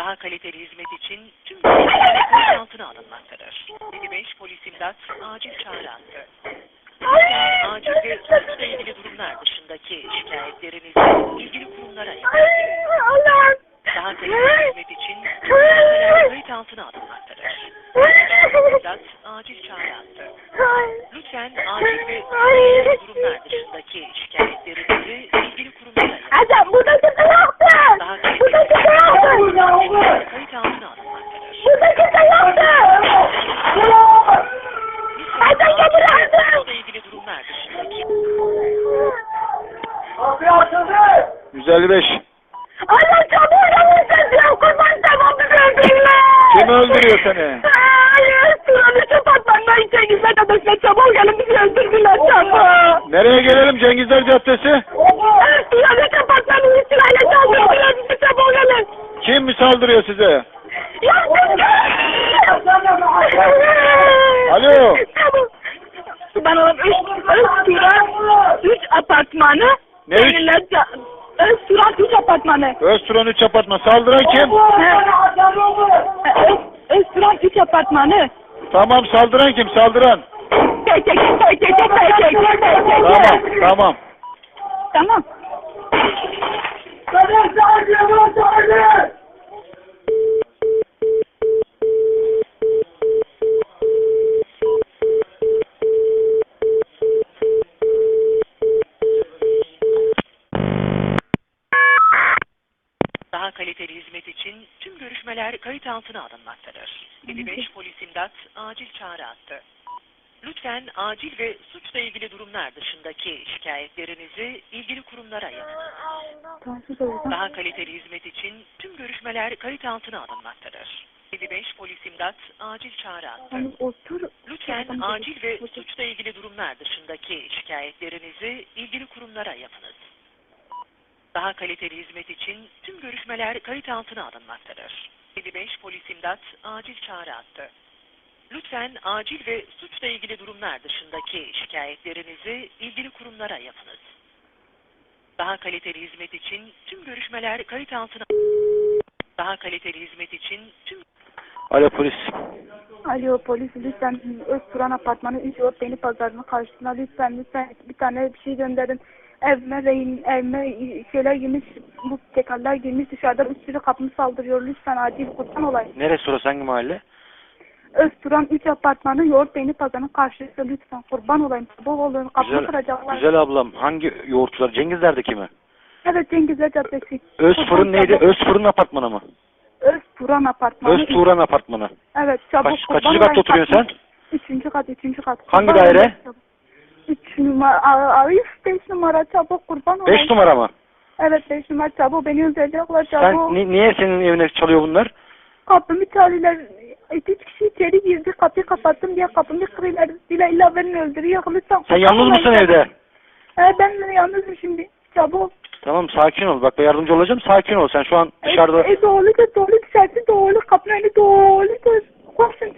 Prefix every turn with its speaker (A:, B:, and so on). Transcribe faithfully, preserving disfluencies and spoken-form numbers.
A: Daha kaliteli hizmet için tüm görüşmeler kayıt altına alınmaktadır. yedi beş polis imdat acil çağrı hattı. Lütfen acil ve suçla ilgili durumlar dışındaki şikayetlerinizi ilgili kurumlara yapın. Daha kaliteli hizmet için tüm görüşmeler kayıt altına alınmaktadır. İmdat acil çağrı hattı. Lütfen acil ve suçla ilgili durumlar dışındaki şikayetlerinizi ilgili kurumlara yapın.
B: Adam burada kimse yoktu.
A: Daha
B: Burada
A: kaliteli
B: kimse yoktu.
A: hizmet kayıt altına alınmaktadır.
B: Burada kimse yoktu. Adam getirildi.
A: Suçla ilgili durumlar dışındaki
C: yüz elli beş.
B: Allah çabuk yapın diyor. Kurban tamam bizi öldürürler.
C: Kim öldürüyor seni?
B: Hayır. Suranı çapatmandan içe gizlet adasına çabuk gelin bizi öldürdüler çabuk.
C: Nereye gelelim? Cengizler Caddesi.
B: Suranı çapatmanın üstüne saldırdılar bizi çabuk gelin.
C: Kim mi saldırıyor size? Alo.
B: Ben oğlum üç, üç Turan, üç apartmanı.
C: Ne üç?
B: Seninle Öz Turan üç apartmanı.
C: Özturan üç apartman. Saldıran kim?
B: Öz, Öz Turan üç apartmanı.
C: Tamam, saldıran kim? Saldıran.
B: Tek tek tek tek tek tek tek tek tek tek.
C: Tamam, tamam.
B: Tamam.
A: daha kaliteli hizmet için tüm görüşmeler kayıt altına alınmaktadır. yedi beş polis imdat acil çağrı hattı. Lütfen acil ve suçla ilgili durumlar dışındaki şikayetlerinizi ilgili kurumlara yapın. Daha kaliteli hizmet için tüm görüşmeler kayıt altına alınmaktadır. yedi beş polis imdat acil çağrı hattı. Lütfen acil ve suçla ilgili durumlar dışındaki şikayetlerinizi ilgili kurumlara yapınız. Daha kaliteli hizmet için tüm görüşmeler kayıt altına alınmaktadır. yedi beş polis imdat acil çağrı hattı. Lütfen acil ve suçla ilgili durumlar dışındaki şikayetlerinizi ilgili kurumlara yapınız. Daha kaliteli hizmet için tüm görüşmeler kayıt altına Daha kaliteli hizmet için tüm
C: Alo polis.
B: Alo polis lütfen Öz Turan apartmanı üç yol beni pazarının karşısına lütfen lütfen bir tane bir şey gönderin. Evime rehin, evime şeyler girmiş, bu tekerler girmiş dışarıdan bir sürü kapımı saldırıyor. Lütfen acil kurban olayım.
C: Neresi orası, hangi mahalle?
B: Özturan üç apartmanı yoğurt beyni pazarının karşısı lütfen kurban olayım. Bol olun kapımı
C: Güzel,
B: kıracaklar.
C: güzel ablam. Hangi yoğurtçular? Cengizler'deki mi?
B: Evet Cengizler Caddesi.
C: Öz
B: Kurban
C: fırın neydi?
B: çabuk.
C: Öz fırın apartmanı mı?
B: Özturan apartmanı.
C: Öz Turan apartmanı.
B: Evet çabuk
C: Kaç,
B: kurban
C: kaçıncı katta
B: olayım.
C: oturuyorsun sen?
B: Üçüncü kat, üçüncü kat.
C: Hangi
B: Kurban
C: daire?
B: olayım çabuk. Üç numara, Arif beş numara çabuk kurban olayım.
C: Beş numara mı?
B: Evet beş numara çabuk beni öldürecekler çabuk.
C: Sen ni- niye senin evine çalıyor bunlar?
B: Kapımı çalıyorlar. Üç kişi içeri girdi. Kapıyı kapattım diye kapımı kırıyorlar. Dile illa beni öldürüyor. Lütfen.
C: Sen yalnız mısın evde?
B: Evet ben de yalnızım şimdi. Çabuk.
C: Tamam, sakin ol. Bak ben yardımcı olacağım. Sakin ol. Sen şu an dışarıda...
B: E, e doğru da doğru dışarısı doğru. Kapının önü doğru. Koşun.